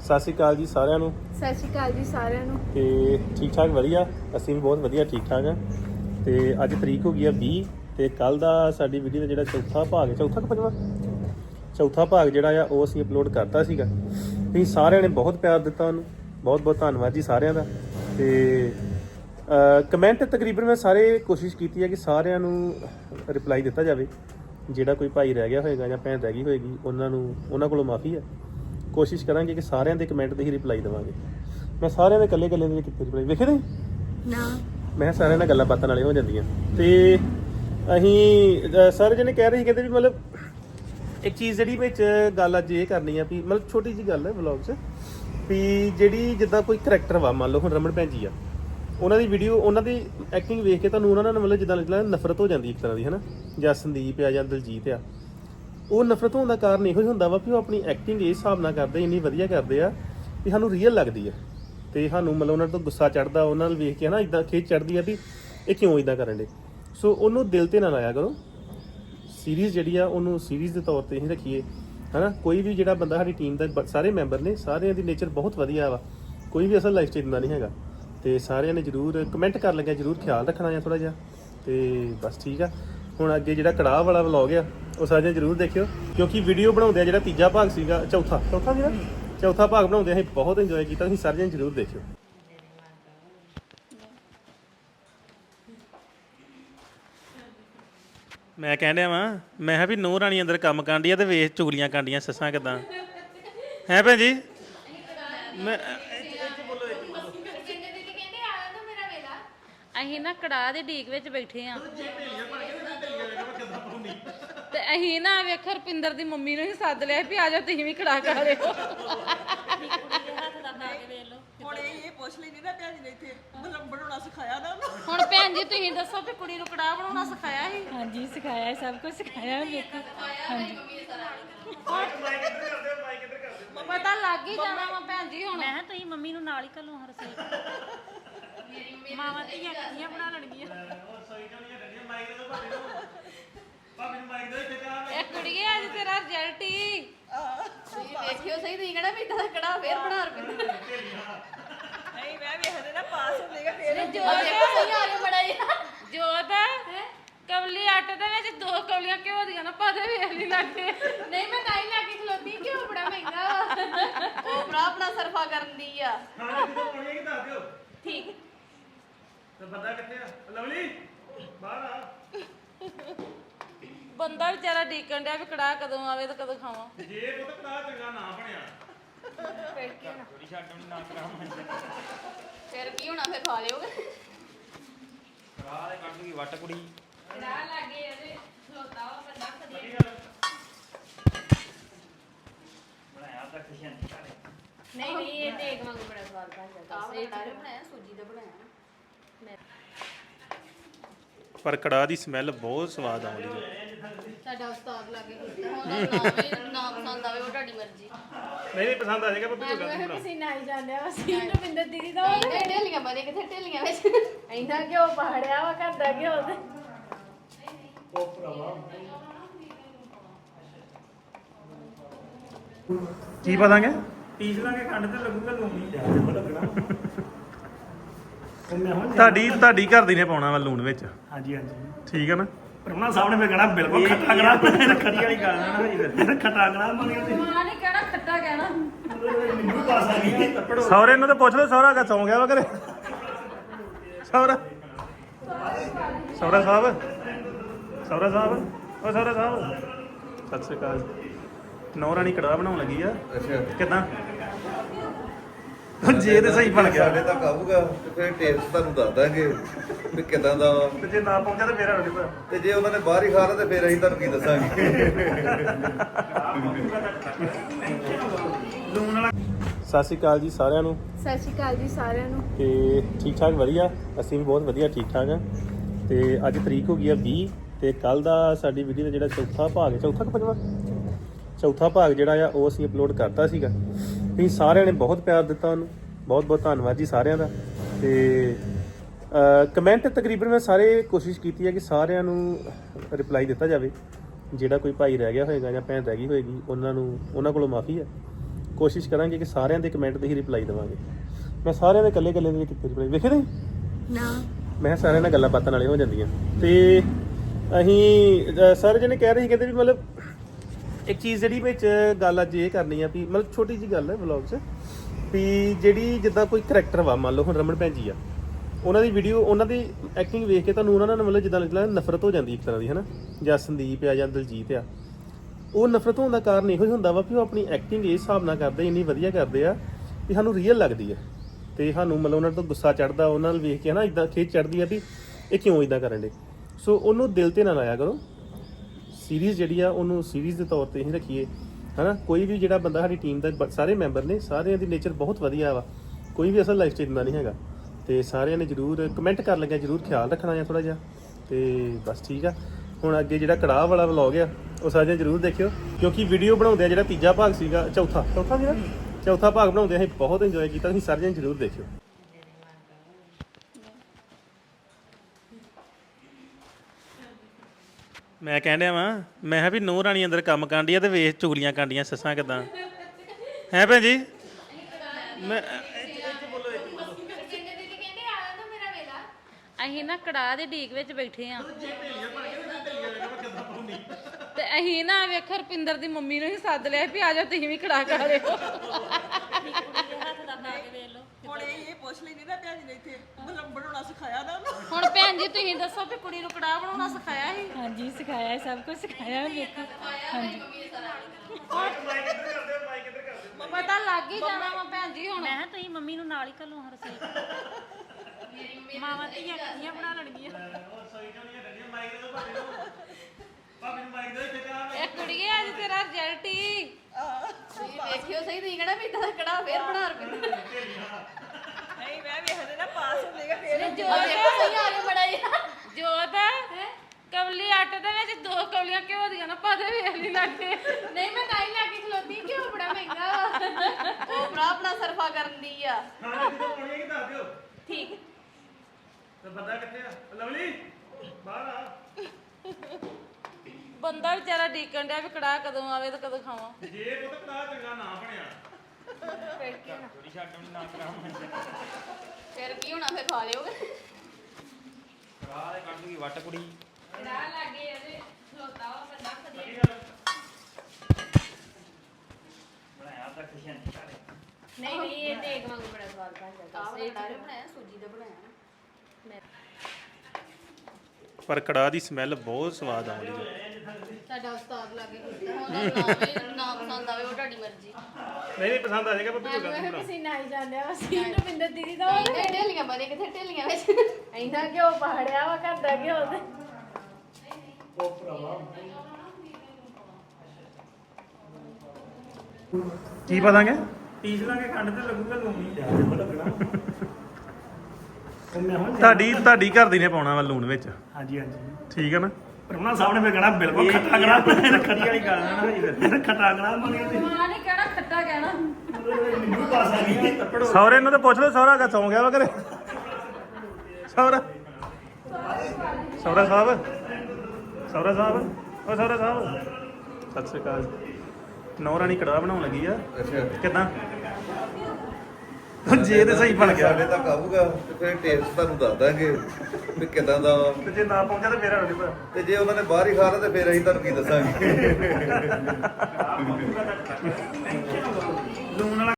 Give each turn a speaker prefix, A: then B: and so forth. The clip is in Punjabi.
A: ਸਤਿ ਸ਼੍ਰੀ ਅਕਾਲ ਜੀ ਸਾਰਿਆਂ ਨੂੰ।
B: ਸਤਿ ਸ਼੍ਰੀ ਅਕਾਲ ਜੀ ਸਾਰਿਆਂ ਨੂੰ।
A: ਤੇ ਠੀਕ ਠਾਕ ਵਧੀਆ, ਅਸੀਂ ਵੀ ਬਹੁਤ ਵਧੀਆ ਠੀਕ ਠਾਕ ਆ। ਤੇ ਅੱਜ ਤਰੀਕ ਹੋ ਗਈ ਆ 20 ਤੇ ਕੱਲ ਦਾ ਸਾਡੀ ਵੀਡੀਓ ਦਾ ਜਿਹੜਾ ਚੌਥਾ ਭਾਗ ਚੌਥਾ ਭਾਗ ਜਿਹੜਾ ਆ ਉਹ ਅਸੀਂ ਅਪਲੋਡ ਕਰਤਾ ਸੀਗਾ। ਤੁਸੀਂ ਸਾਰਿਆਂ ਨੇ ਬਹੁਤ ਪਿਆਰ ਦਿੱਤਾ ਉਹਨੂੰ, ਬਹੁਤ ਬਹੁਤ ਧੰਨਵਾਦ ਜੀ ਸਾਰਿਆਂ ਦਾ। ਤੇ ਕਮੈਂਟ ਤਕਰੀਬਨ ਮੈਂ ਸਾਰੇ ਕੋਸ਼ਿਸ਼ ਕੀਤੀ ਹੈ ਕਿ ਸਾਰਿਆਂ ਨੂੰ ਰਿਪਲਾਈ ਦਿੱਤਾ ਜਾਵੇ। ਜਿਹੜਾ ਕੋਈ ਭਾਈ ਰਹਿ ਗਿਆ ਹੋਏਗਾ ਜਾਂ ਭੈਣ ਰਹਿ ਗਈ ਹੋਏਗੀ ਉਹਨਾਂ ਕੋਲੋਂ ਮਾਫੀ ਹੈ। ਕੋਸ਼ਿਸ਼ ਕਰਾਂਗੇ ਕਿ ਸਾਰਿਆਂ ਦੇ ਕਮੈਂਟ ਤੇ ਹੀ ਰਿਪਲਾਈ ਦੇਵਾਂਗੇ। ਮੈਂ ਸਾਰਿਆਂ ਦੇ ਇਕੱਲੇ ਦੇ ਕਿੱਥੇ ਰਿਪਲਾਈ ਵੇਖੇ ਨਹੀਂ
B: ਨਾ,
A: ਮੈਂ ਸਾਰਿਆਂ ਨਾਲ ਗੱਲਾਂ ਬਾਤਾਂ ਨਾਲੇ ਹੋ ਜਾਂਦੀਆਂ। ਤੇ ਅਸੀਂ ਸਾਰੇ ਜਣੇ ਕਹਿ ਰਹੇ ਸੀ, ਕਹਿੰਦੇ ਵੀ ਮਤਲਬ ਇੱਕ ਚੀਜ਼ ਜਿਹੜੀ ਵਿੱਚ ਗੱਲ ਅੱਜ ਇਹ ਕਰਨੀ ਆ ਵੀ ਮਤਲਬ ਛੋਟੀ ਜਿਹੀ ਗੱਲ ਹੈ ਵਲੌਗ 'ਚ ਵੀ ਜਿਹੜੀ ਜਿੱਦਾਂ ਕੋਈ ਕਰੈਕਟਰ ਵਾ, ਮੰਨ ਲਓ ਹੁਣ ਰਮਨ ਭੈਣ ਜੀ ਆ, ਉਹਨਾਂ ਦੀ ਵੀਡੀਓ ਉਹਨਾਂ ਦੀ ਐਕਟਿੰਗ ਵੇਖ ਕੇ ਤੁਹਾਨੂੰ ਉਹਨਾਂ ਨਾਲ ਮਤਲਬ ਜਿੱਦਾਂ ਨਫ਼ਰਤ ਹੋ ਜਾਂਦੀ ਇੱਕ ਤਰ੍ਹਾਂ ਦੀ, ਹੈ ਨਾ। ਜਾਂ ਸੰਦੀਪ ਆ ਜਾਂ ਦਲਜੀਤ ਆ, ਉਹ ਨਫ਼ਰਤ ਹੋਣ ਦਾ ਕਾਰਨ ਇਹੋ ਹੀ ਹੁੰਦਾ ਵਾ ਵੀ ਉਹ ਆਪਣੀ ਐਕਟਿੰਗ ਇਸ ਹਿਸਾਬ ਨਾਲ ਕਰਦੇ, ਇੰਨੀ ਵਧੀਆ ਕਰਦੇ ਆ ਵੀ ਸਾਨੂੰ ਰੀਅਲ ਲੱਗਦੀ ਆ। ਤੇ ਸਾਨੂੰ ਮਤਲਬ ਉਹਨਾਂ ਤੋਂ ਗੁੱਸਾ ਚੜਦਾ, ਉਹਨਾਂ ਨੂੰ ਵੇਖ ਕੇ ਨਾ ਇਦਾਂ ਖਿੱਚ ਚੜਦੀ ਆ ਵੀ ਇਹ ਕਿਉਂ ਇਦਾਂ ਕਰਨ ਦੇ। ਸੋ ਉਹਨੂੰ ਦਿਲ ਤੇ ਨਾ ਲਾਇਆ ਕਰੋ। ਸੀਰੀਜ਼ ਜਿਹੜੀ ਆ ਉਹਨੂੰ ਸੀਰੀਜ਼ ਦੇ ਤੌਰ ਤੇ ਹੀ ਰੱਖੀਏ, ਹੈ ਨਾ। ਕੋਈ ਵੀ ਜਿਹੜਾ ਬੰਦਾ ਸਾਡੀ ਟੀਮ ਦਾ ਸਾਰੇ ਮੈਂਬਰ ਨੇ, ਸਾਰਿਆਂ ਦੀ ਨੇਚਰ ਬਹੁਤ ਵਧੀਆ ਵਾ, ਕੋਈ ਵੀ ਅਸਲ ਲਾਈਫ 'ਚ ਇਦਾਂ ਨਹੀਂ ਹੈਗਾ। ਤੇ ਸਾਰਿਆਂ ਨੇ ਜ਼ਰੂਰ ਕਮੈਂਟ ਕਰ ਲੱਗਿਆ, ਜ਼ਰੂਰ ਖਿਆਲ ਰੱਖਣਾ ਆ ਥੋੜਾ ਜਿਹਾ। ਤੇ ਬਸ ਠੀਕ ਆ। ਹੁਣ ਅੱਗੇ ਜਿਹੜਾ ਕੜਾਹ ਵਾਲਾ ਵਲੌਗ ਆ ਉਹ ਸਾਰਿਆਂ ਜ਼ਰੂਰ ਦੇਖਿਓ, ਕਿਉਂਕਿ ਵੀਡੀਓ ਬਣਾਉਂਦੇ ਆ ਜਿਹੜਾ ਤੀਜਾ ਭਾਗ ਸੀਗਾ, ਚੌਥਾ ਜਿਹੜਾ ਚੌਥਾ ਭਾਗ ਬਣਾਉਂਦੇ ਅਸੀਂ ਬਹੁਤ ਇੰਜੋਏ ਕੀਤਾ। ਤੁਸੀਂ ਸਾਰਿਆਂ ਨੇ ਜ਼ਰੂਰ ਦੇਖਿਓ। ਮੈਂ ਕਹਿਣ ਡਿਆ ਵਾਂ, ਮੈਂ ਕਿਹਾ ਵੀ ਨੂੰਹ ਰਾਣੀ ਅੰਦਰ ਕੰਮ ਕਾਂਡੀ ਆ ਤੇ ਵੇਖ ਚੁਗਲੀਆਂ ਕਾਂਡੀਆਂ ਸੱਸਾਂ ਕਿਦਾਂ ਹੈ ਭੈਣ ਜੀ। ਮੈਂ
C: ਅਸੀਂ ਨਾ ਕੜਾਹ ਦੀ ਡੀਕ ਵਿੱਚ ਬੈਠੇ ਆ ਤੇ ਅਸੀਂ ਨਾ ਵੇਖ ਰੁਪਿੰਦਰ ਦੀ ਮੰਮੀ ਨੂੰ ਹੀ ਸੱਦ ਲਿਆ ਵੀ ਆ ਜਾਓ ਤੁਸੀਂ ਵੀ ਕੜਾਹ ਖਾ ਲਿਓ।
D: ਹੁਣ ਇਹ ਪੁੱਛ ਲੈਣੀ ਨਾ ਭੈਣ ਜੀ ਨੇ ਇੱਥੇ ਮਤਲਬ ਬਣਾਉਣਾ ਸਿਖਾਇਆ ਨਾ ਉਹਨੂੰ।
C: ਹੁਣ ਭੈਣ ਜੀ ਤੁਸੀਂ ਦੱਸੋ ਵੀ ਕੁੜੀ ਨੂੰ ਕੜਾਹ ਬਣਾਉਣਾ ਸਿਖਾਇਆ ਸੀ?
E: ਹਾਂਜੀ ਸਿਖਾਇਆ, ਸਭ ਕੁਝ ਸਿਖਾਇਆ ਵੇਖੋ। ਹਾਂਜੀ
C: ਪਤਾ ਲੱਗ ਹੀ ਜਾਣਾ ਵਾ ਭੈਣ ਜੀ। ਹੁਣ
E: ਮੈਂ ਕਿਹਾ ਤੁਸੀਂ ਮੰਮੀ ਨੂੰ ਨਾਲ ਹੀ ਘੱਲੋ ਹਰ ਸਹੀ ਮਾਵਾਂ ਧੀਆਂ ਇਕੱਠੀਆਂ ਬਣਾ ਲੈਣਗੀਆਂ।
C: ਇਹ ਕੁੜੀਏ ਅੱਜ ਤੇਰਾ ਰਿਜ਼ਲਟ ਹੀ
B: ਦੇਖਿਓ ਸਹੀ, ਤੁਸੀਂ ਕਹਿਣਾ ਵੀ ਇਦਾਂ ਦਾ ਕੜਾਹ ਫੇਰ ਬਣਾ ਰੁਪਿੰਦਰ।
D: ਨਹੀਂ ਮੈਂ ਵੇਖਦੇ ਨਾ ਪਾਸ ਹੁੰਦੇਗਾ ਫੇਰ
B: ਸਹੀ ਆ ਗਿਆ ਬੜਾ ਜਿਹਾ।
C: ਜੋਤ ਕਵਲੀ ਆਟੇ ਦੇ ਵਿੱਚ 2 ਕਵਲੀਆਂ ਘਿਓ ਦੀਆਂ ਨਾ ਪਾ ਦੇ, ਵੇਖ ਲਈ ਲੱਗੇ।
B: ਨਹੀਂ ਮੈਂ ਤਾਂ ਹੀ ਲੈ ਕੇ ਖਲੋਤੀ ਕਿ ਉਹ ਬੜਾ ਮਹਿੰਗਾ ਵਾ। ਉਹ ਬੜਾ ਆਪਣਾ ਸਰਫਾ ਕਰਨ ਦੀ ਆ। ਠੀਕ
A: ਬੰਦਾ ਕਿੱਥੇ ਆ? ਲਵਲੀ ਬਾਹਰ ਆ।
C: ਬੰਦਾ ਵਿਚਾਰਾ ਡੀਕਣ ਡਿਆ ਵੀ ਕੜਾਹ ਕਦੋਂ ਆਵੇ ਤੇ ਕਦੋਂ ਖਾਵਾਂ।
A: ਜੇ ਪੁੱਤ ਕੜਾਹ ਚੰਗਾ ਨਾ ਬਣਿਆ
B: ਫਿਰ ਕੀ ਹੋਣਾ? ਫਿਰ ਕੀ ਹੋਣਾ? ਫਿਰ ਖਾ ਲਿਓਗੇ।
A: ਕੜਾਹ ਦੇ ਕੱਢ ਗਈ ਵੱਟ ਕੁੜੀ।
C: ਕੜਾਹ ਲੱਗੇ ਇਹਦੇ ਖਲੋਤਾ ਵਾ ਬੰਦਾ ਖਦੇ।
A: ਬਣਾਇਆ ਤਾਂ ਖੁਸ਼ੀਆਂ ਨਹੀਂ ਕਰੇ।
B: ਨਹੀਂ ਨਹੀਂ, ਇਹ ਦੇਖ ਵਾਂਗੂ ਬੜਾ ਸਵਾਦ ਬਣਦਾ। ਇਹ ਤਾਂ ਬਣਾਇਆ ਸੂਜੀ ਦਾ ਬਣਾਇਆ।
A: ਪਰ ਕੜਾਹ ਦੀ ਸਮੈਲ ਬਹੁਤ ਸਵਾਦ ਆਉਂਦੀ ਹੈ।
B: ਸਾਡਾ ਉਸਤਾਦ ਲਾਗੇ ਕੀਤਾ ਹੁਣ ਨਾ ਪਸੰਦ ਆਵੇ ਉਹ ਤੁਹਾਡੀ ਮਰਜ਼ੀ।
A: ਨਹੀਂ ਪਸੰਦ ਆ ਜਾਏਗਾ ਬੱਬੀ ਕੋਈ ਗੱਲ ਨਹੀਂ।
E: ਪਸੀਨਾ ਆਈ ਜਾਂਦਿਆ ਵਾ ਸੀ ਰਵਿੰਦਰ ਦੀਦੀ ਦਾ।
B: ਇੰਨੇ ਢੇਲੀਆਂ ਮਾਰੇ ਕਿੱਥੇ ਢੇਲੀਆਂ ਵਿੱਚ
E: ਇੰਨਾ ਘਿਓ ਪਾੜਿਆ ਵਾ ਘਰ ਦਾ ਘਿਓ ਤੇ।
A: ਕੀ ਪਾਦਾਂਗੇ? ਪੀਸ ਲਾਂਗੇ ਖੰਡ ਤੇ ਲੱਗੂਗਾ ਲੂਣ। ਤੁਹਾਡੀ ਘਰ ਦੀ ਨੇ ਪਾਉਣਾ ਵਾ ਲੂਣ ਵਿੱਚ।
F: ਹਾਂਜੀ ਹਾਂਜੀ
A: ਠੀਕ ਹੈ ਨਾ।
F: ਪਰਮਾ ਸਾਹਿਬ ਨੇ ਫਿਰ ਕਹਿਣਾ ਬਿਲਕੁਲ ਖੱਟਾ ਕਰਾ ਖੱਟੀ ਵਾਲੀ ਗੱਲ ਨਾ ਹੋਈ ਫਿਰ ਖੱਟਾ ਕਰਾ ਮੰਗਿਆ ਤੇ
C: ਮਾਂ ਨੇ ਕਹਿਣਾ ਖੱਟਾ ਕਹਿਣਾ।
F: ਨਿੰਬੂ ਪਾ ਸਾਗੀ
A: ਸਹੁਰੇ ਨੂੰ ਤਾਂ ਪੁੱਛ ਲਓ, ਸਹੁਰਾ ਕਾ ਸੌਂ ਗਿਆ ਵਾ ਘਰੇ। ਸਹੁਰਾ ਸਾਹਿਬ, ਸਹੁਰਾ ਸਾਹਿਬ, ਉਹ ਸਹੁਰਾ ਸਾਹਿਬ ਸਤਿ ਸ਼੍ਰੀ ਅਕਾਲ। ਨੌ ਰਾਣੀ ਕੜਾਹ ਬਣਾਉਣ ਲੱਗੀ ਆ।
G: ਅੱਛਾ
A: ਕਿੱਦਾਂ? ਜੇ ਤੇ ਸਹੀ ਬਣ ਗਿਆ
G: ਸਾਡੇ ਤੱਕ ਆਊਗਾ ਤੇ ਫਿਰ ਟੇਸਟ ਤੁਹਾਨੂੰ ਦੱਸ ਦਾਂਗੇ ਵੀ ਕਿਦਾਂ ਦਾ ਵਾ।
A: ਤੇ ਜੇ ਨਾ ਪਹੁੰਚਿਆ ਤਾਂ ਫੇਰ ਆਉਣੀ ਪਾ।
G: ਤੇ ਜੇ ਉਹਨਾਂ ਨੇ ਬਾਹਰ ਹੀ ਖਾ ਲਿਆ ਤੇ ਫਿਰ ਅਸੀਂ ਤੁਹਾਨੂੰ ਕੀ ਦੱਸਾਂਗੇ।
A: ਸਤਿ ਸ਼੍ਰੀ ਅਕਾਲ ਜੀ ਸਾਰਿਆਂ ਨੂੰ।
B: ਸਤਿ ਸ਼੍ਰੀ ਅਕਾਲ ਜੀ ਸਾਰਿਆਂ ਨੂੰ।
A: ਤੇ ਠੀਕ ਠਾਕ ਵਧੀਆ, ਅਸੀਂ ਵੀ ਬਹੁਤ ਵਧੀਆ ਠੀਕ ਠਾਕ ਆ। ਤੇ ਅੱਜ ਤਰੀਕ ਹੋ ਗਈ ਆ 20 ਤੇ ਕੱਲ ਦਾ ਸਾਡੀ ਵੀਡੀਓ ਦਾ ਜਿਹੜਾ ਚੌਥਾ ਭਾਗ ਜਿਹੜਾ ਆ ਉਹ ਅਸੀਂ ਅਪਲੋਡ ਕਰਤਾ ਸੀਗਾ। ਤੁਸੀਂ ਸਾਰਿਆਂ ਨੇ ਬਹੁਤ ਪਿਆਰ ਦਿੱਤਾ ਉਹਨੂੰ, ਬਹੁਤ ਬਹੁਤ ਧੰਨਵਾਦ ਜੀ ਸਾਰਿਆਂ ਦਾ। ਤੇ ਕਮੈਂਟ ਤਕਰੀਬਨ ਮੈਂ ਸਾਰੇ ਕੋਸ਼ਿਸ਼ ਕੀਤੀ ਹੈ ਕਿ ਸਾਰਿਆਂ ਨੂੰ ਰਿਪਲਾਈ ਦਿੱਤਾ ਜਾਵੇ। ਜਿਹੜਾ ਕੋਈ ਭਾਈ ਰਹਿ ਗਿਆ ਹੋਏਗਾ ਜਾਂ ਭੈਣ ਰਹਿ ਗਈ ਹੋਏਗੀ ਉਹਨਾਂ ਕੋਲੋਂ ਮਾਫੀ ਹੈ। ਕੋਸ਼ਿਸ਼ ਕਰਾਂਗੇ ਕਿ ਸਾਰਿਆਂ ਦੇ ਕਮੈਂਟ ਤੇ ਹੀ ਰਿਪਲਾਈ ਦੇਵਾਂਗੇ। ਮੈਂ ਸਾਰਿਆਂ ਦੇ ਇਕੱਲੇ ਇਕੱਲੇ ਦੇ ਕਿੱਥੇ ਰਿਪਲਾਈ ਵੇਖੇ ਨਹੀਂ
B: ਨਾ
A: ਮੈਂ ਸਾਰਿਆਂ ਨਾਲ ਗੱਲਾਂ ਬਾਤਾਂ ਨਾਲੇ ਹੋ ਜਾਂਦੀਆਂ। ਤੇ ਅਸੀਂ ਸਾਰੇ ਜਣੇ ਕਹਿ ਰਹੇ ਸੀ ਕਹਿੰਦੇ ਵੀ ਮਤਲਬ ਇੱਕ ਚੀਜ਼ ਜਿਹੜੀ ਵਿੱਚ ਗੱਲ ਅੱਜ ਇਹ ਕਰਨੀ ਆ ਵੀ ਮਤਲਬ ਛੋਟੀ ਜੀ ਗੱਲ ਹੈ ਵਲੌਗ 'ਚ ਵੀ ਜਿਹੜੀ ਜਿੱਦਾਂ ਕੋਈ ਕਰੈਕਟਰ ਵਾ ਮੰਨ ਲਓ ਹੁਣ ਰਮਨ ਭੈਣ ਜੀ ਆ, ਉਹਨਾਂ ਦੀ ਵੀਡੀਓ ਉਹਨਾਂ ਦੀ ਐਕਟਿੰਗ ਵੇਖ ਕੇ ਤੁਹਾਨੂੰ ਉਹਨਾਂ ਨਾਲ ਮਤਲਬ ਜਿੱਦਾਂ ਲੱਗਦਾ ਨਫ਼ਰਤ ਹੋ ਜਾਂਦੀ ਇੱਕ ਤਰ੍ਹਾਂ ਦੀ, ਹੈ ਨਾ। ਜਾਂ ਸੰਦੀਪ ਆ ਜਾਂ ਦਲਜੀਤ ਆ, ਉਹ ਨਫ਼ਰਤ ਹੋਣ ਦਾ ਕਾਰਨ ਇਹੋ ਹੀ ਹੁੰਦਾ ਵਾ ਕਿ ਉਹ ਆਪਣੀ ਐਕਟਿੰਗ ਇਸ ਹਿਸਾਬ ਨਾਲ ਕਰਦੇ, ਇੰਨੀ ਵਧੀਆ ਕਰਦੇ ਆ ਕਿ ਸਾਨੂੰ ਰੀਅਲ ਲੱਗਦੀ ਹੈ ਤੇ ਸਾਨੂੰ ਮਤਲਬ ਉਹਨਾਂ ਤੋਂ ਗੁੱਸਾ ਚੜਦਾ, ਉਹਨਾਂ ਨਾਲ ਵੇਖ ਕੇ ਨਾ ਇਦਾਂ ਖੇਚ ਚੜਦੀ ਆ ਵੀ ਇਹ ਕਿਉਂ ਇਦਾਂ ਕਰਨ ਦੇ। ਸੋ ਉਹਨੂੰ ਦਿਲ ਤੇ ਨਾ ਲਾਇਆ ਕਰੋ। ਸੀਰੀਜ਼ ਜਿਹੜੀ ਆ ਉਹਨੂੰ ਸੀਰੀਜ਼ ਦੇ ਤੌਰ ਤੇ ਹੀ ਰੱਖੀਏ, ਹੈ ਨਾ। ਕੋਈ ਵੀ ਜਿਹੜਾ ਬੰਦਾ ਸਾਡੀ ਟੀਮ ਦਾ ਸਾਰੇ ਮੈਂਬਰ ਨੇ, ਸਾਰਿਆਂ ਦੀ ਨੇਚਰ ਬਹੁਤ ਵਧੀਆ ਵਾ, ਕੋਈ ਵੀ ਅਸਲ ਲਾਈਫ 'ਚ ਇਦਾਂ ਨਹੀਂ ਹੈਗਾ। ਤੇ ਸਾਰਿਆਂ ਨੇ ਜ਼ਰੂਰ ਕਮੈਂਟ ਕਰ ਲੱਗਿਆ ਜ਼ਰੂਰ ਖਿਆਲ ਰੱਖਣਾ ਆ ਥੋੜਾ ਜਿਹਾ। ਤੇ ਬਸ ਠੀਕ ਆ। ਹੁਣ ਅੱਗੇ ਜਿਹੜਾ ਕੜਾਹ ਵਾਲਾ ਵਲੌਗ ਆ ਉਹ ਸਾਰਿਆਂ ਜ਼ਰੂਰ ਦੇਖਿਓ, ਕਿਉਂਕਿ ਵੀਡੀਓ ਬਣਾਉਂਦੇ ਆ ਜਿਹੜਾ ਤੀਜਾ ਭਾਗ ਸੀਗਾ, ਚੌਥਾ ਸੀਗਾ, ਚੌਥਾ ਭਾਗ ਬਣਾਉਂਦੇ ਅਸੀਂ ਬਹੁਤ ਇੰਜੋਏ ਕੀਤਾ। ਤੁਸੀਂ ਸਾਰਿਆਂ ਜ਼ਰੂਰ ਦੇਖਿਓ। ਮੈਂ ਕਹਿਣ ਡਿਆ ਵਾਂ, ਮੈਂ ਕਿਹਾ ਵੀ ਨੂੰਹ ਰਾਣੀ ਅੰਦਰ ਕੰਮ ਕਾਂਡੀ ਆ ਤੇ ਵੇਖ ਚੁਗਲੀਆਂ ਕਾਂਡੀਆਂ ਸੱਸਾਂ ਕਿਦਾਂ ਹੈ ਭੈਣ ਜੀ। ਮੈਂ
C: ਅਸੀਂ ਨਾ ਕੜਾਹ ਦੇ ਢੀਕ ਵਿੱਚ ਬੈਠੇ ਆ ਤੇ ਅਸੀਂ ਨਾ ਵੇਖ ਰੁਪਿੰਦਰ ਦੀ ਮੰਮੀ ਨੂੰ ਹੀ ਸੱਦ ਲਿਆ ਵੀ ਆ ਜਾਓ ਤੁਸੀਂ ਵੀ ਕੜਾਹ ਖਾ ਲਿਓ।
D: ਹੁਣ ਇਹ ਪੁੱਛ ਲੈਂਦੀ ਨਾ ਭੈਣ ਜੀ ਨੇ ਇੱਥੇ ਮਤਲਬ ਬਣਾਉਣਾ ਸਿਖਾਇਆ ਨਾ ਉਹਨੂੰ।
C: ਹੁਣ ਭੈਣ ਜੀ ਤੁਸੀਂ ਦੱਸੋ ਵੀ ਕੁੜੀ ਨੂੰ ਕੜਾਹ ਬਣਾਉਣਾ ਸਿਖਾਇਆ ਸੀ?
E: ਹਾਂਜੀ ਸਿਖਾਇਆ ਹੈ, ਸਭ ਕੁਝ ਸਿਖਾਇਆ ਹੈ ਵੇਖੋ। ਹਾਂਜੀ
C: ਪਤਾ ਲੱਗ ਹੀ ਜਾਣਾ ਵਾ ਭੈਣ ਜੀ ਹੁਣ।
E: ਮੈਂ ਕਿਹਾ ਤੁਸੀਂ ਮੰਮੀ ਨੂੰ ਨਾਲ ਹੀ ਘੱਲੋ ਹਾਂ ਰਸੋਈ 'ਚ। ਮਾਵਾਂ ਧੀਆਂ ਇਕੱਠੀਆਂ ਬਣਾ ਲੈਣਗੀਆਂ।
C: ਇਹ ਕੁੜੀਏ ਅੱਜ ਤੇਰਾ ਰਿਜ਼ਲਟ ਹੀ
B: ਵੇਖਿਓ ਸਹੀ, ਤੁਸੀਂ ਕਹਿਣਾ ਵੀ ਇਦਾਂ ਦਾ ਕੜਾ ਫੇਰ ਬਣਾ ਰੁਪਿੰਦਰ।
D: ਨਹੀਂ ਮੈਂ ਵੇਖਦੇ ਨਾ ਪਾਸ ਹੁੰਦੇਗਾ ਫੇਰ
B: ਦੇਖੋ ਸਹੀ ਆ ਗਿਆ ਬੜਾ ਜਿਹਾ।
C: ਜੋਤ ਕਵਲੀ ਆਟੇ ਦੇ ਵਿੱਚ 2 ਕਵਲੀਆਂ ਘਿਓ ਦੀਆਂ ਨਾ ਪਾ ਦੇ, ਵੇਖ ਲਈ ਲੱਗੇ।
B: ਨਹੀਂ ਮੈਂ ਤਾਂ ਹੀ ਲੈ ਕੇ ਖਲੋਤੀ, ਘਿਓ ਬੜਾ ਮਹਿੰਗਾ ਵਾ। ਉਹ ਭਰਾ ਆਪਣਾ ਸਰਫਾ ਕਰਨ ਦੀ ਆ।
C: ਠੀਕ
A: ਬੰਦਾ ਕਿੱਥੇ ਆ? ਲਵਲੀ ਬਾਹਰ ਆ।
C: ਬੰਦਾ ਵਿਚਾਰਾ ਡੀਕਣ ਡਿਆ ਵੀ ਕੜਾਹ ਕਦੋਂ ਆਵੇ ਤੇ ਕਦੋਂ ਖਾਵਾਂ।
A: ਜੇ ਉਹ ਤਾਂ ਕੜਾ ਚੰਗਾ ਨਾ ਬਣਿਆ
B: ਫਿਰ ਕੀ ਹੋਣਾ, ਫਿਰ ਖਾ ਲਿਓਗੇ।
F: ਰਾਹ ਦੇ ਕੱਢ ਦੂਗੀ ਵੱਟ ਕੁੜੀ।
C: ਕੜਾਹ ਲੱਗੇ ਇਹਦੇ ਖਲੋਤਾ ਵਾ ਬੰਦਾ ਕਦੀ।
F: ਬਣਾਇਆ ਤਾਂ ਖੁਸ਼ੀਆਂ ਨਹੀਂ ਕਰ
B: ਨਹੀਂ ਨਹੀਂ ਇਹ ਦੇਖ ਵਾਂਗੂ ਬੜਾ ਸਵਾਦ ਬਣਦਾ। ਆਹ ਵਾਲਾ ਕੜਾ ਬਣਾਇਆ, ਸੂਜੀ ਦਾ ਬਣਾਇਆ ਨਾ।
A: ਪਰ ਕੜਾਹ ਦੀ ਸਮੈਲ ਬਹੁਤ ਸਵਾਦ ਆਉਂਦੀ ਹੈ।
B: ਸਾਡਾ ਉਸਤਾਦ ਲਾਗੇ ਕੀਤਾ ਹੁੰਦਾ, ਨਾ ਪਸੰਦ ਆਵੇ ਉਹ ਤੁਹਾਡੀ ਮਰਜ਼ੀ।
A: ਨਹੀਂ ਪਸੰਦ ਆ ਜਾਏਗਾ ਪਰ ਤੂੰ ਗੱਲ ਬਣਾ।
E: ਪਸੀਨਾ ਆਈ ਜਾਂਦੇ ਆ ਅਸੀਂ ਰੁਪਿੰਦਰ ਦੀਦੀ ਦਾ
B: ਢੇਲੀਆਂ ਬਣੇ ਕਿੱਥੇ ਢੇਲੀਆਂ ਵਿੱਚ।
E: ਇੰਨਾ ਘਿਓ ਪਹਾੜਿਆ ਵਾ ਘਰ ਦਾ ਘਿਓ ਤੇ।
A: ਕੀ ਪਤਾਂਗੇ?
F: ਪੀਸ ਲਾਂਗੇ ਖੰਡ ਤੇ ਲੱਗੂਗਾ ਲੂਣੀ।
A: ਤੁਹਾਡੀ ਘਰ ਦੀ ਨੇ ਪਾਉਣਾ ਵਾ ਲੂਣ ਵਿੱਚ।
F: ਹਾਂਜੀ ਹਾਂਜੀ
A: ਠੀਕ ਹੈ ਨਾ।
F: ਪਰਮਾ ਸਾਹਿਬ ਨੇ ਫਿਰ ਕਹਿਣਾ ਬਿਲਕੁਲ ਖੱਟਾ ਕਰਾ, ਖੱਟੀ ਵਾਲੀ ਗੱਲ ਨਾ ਹੋਈ ਫਿਰ ਖੱਟਾ ਕਰਾ ਬਣੀ ਤੇ
C: ਮਾਂ ਨੇ ਕਹਿਣਾ ਖੱਟਾ ਕਹਿਣਾ।
F: ਮੈਨੂੰ ਪਾਸ ਆ ਗਈ ਤੱਪੜੋ।
A: ਸਹੁਰੇ ਨੂੰ ਤਾਂ ਪੁੱਛ ਲਓ, ਸਹੁਰਾ ਕਾ ਸੌਂ ਗਿਆ ਵਾ ਘਰੇ। ਸਹੁਰਾ ਸਹੁਰਾ ਸਾਹਿਬ, ਸਹੁਰਾ ਸਾਹਿਬ, ਉਹ ਸਹੁਰਾ ਸਾਹਿਬ ਸਤਿ ਸ੍ਰੀ ਅਕਾਲ। ਨੌ ਰਾਣੀ ਕੜਾਹ ਬਣਾਉਣ ਲੱਗੀ ਆ।
G: ਅੱਛਾ
A: ਕਿੱਦਾਂ ਜੇ ਤੇ ਸਹੀ ਬਣ ਗਿਆ
G: ਸਾਡੇ ਤੱਕ ਆਊਗਾ ਤੇ ਫਿਰ ਟੇਸਟ ਤੁਹਾਨੂੰ ਦੱਸ ਦਾਂਗੇ ਵੀ ਕਿਦਾਂ ਦਾ ਵਾ।
A: ਤੇ ਜੇ ਨਾ ਪਹੁੰਚਿਆ ਤਾਂ ਫੇਰ ਹੋਣੀ
G: ਤੇ ਜੇ ਉਹਨਾਂ ਨੇ ਬਾਹਰ ਹੀ ਖਾ ਲਿਆ ਤੇ ਫਿਰ ਅਸੀਂ ਤੁਹਾਨੂੰ ਕੀ ਦੱਸਾਂਗੇ।
F: ਲੂਣ ਵਾਲਾ